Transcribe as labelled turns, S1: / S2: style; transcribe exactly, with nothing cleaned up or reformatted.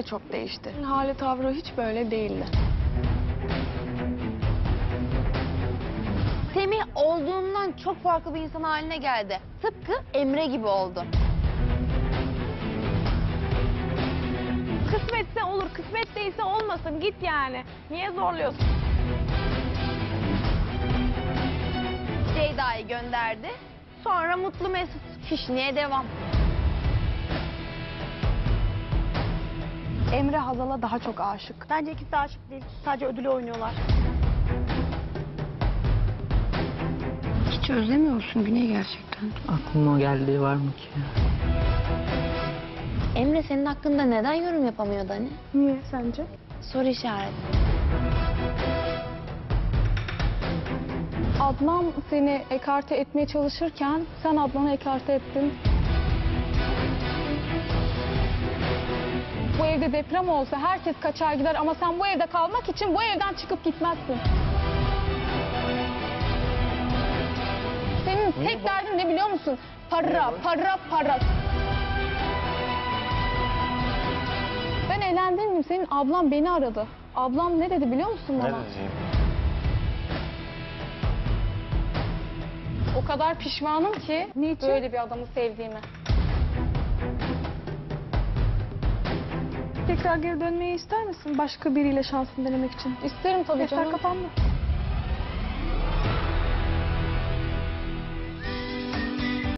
S1: de çok değişti. Hali tavrı hiç böyle değildi.
S2: Semih olduğundan çok farklı bir insan haline geldi. Tıpkı Emre gibi oldu.
S3: Kısmetse olur, kısmet değilse olmasın. Git yani. Niye zorluyorsun?
S2: Ceyda'yı gönderdi. Sonra Mutlu Mesut. Fişniğe devam.
S1: Emre Hazal'a daha çok aşık.
S3: Bence ikisi de aşık değil. Sadece ödülü oynuyorlar.
S1: Hiç özlemiyor musun Güney gerçekten?
S4: Aklıma o geldiği var mı ki?
S2: Emre senin hakkında neden yorum yapamıyordu hani?
S1: Niye sence?
S2: Soru işareti.
S1: Adnan seni ekarte etmeye çalışırken sen Adnan'ı ekarte ettin. Bu evde deprem olsa herkes kaçar gider ama sen bu evde kalmak için bu evden çıkıp gitmezsin. Senin tek derdin ne biliyor musun? Para, para, para. Ben eğlendim miyim? Senin ablam beni aradı. Ablam ne dedi biliyor musun bana?
S5: Ne diyeyim?
S1: O kadar pişmanım ki
S3: Niçin?
S1: böyle bir adamı sevdiğime.
S3: Tekrar geri dönmeyi ister misin? Başka biriyle şansını denemek için.
S1: İsterim tabii
S3: Defter
S1: canım.
S3: kapandı.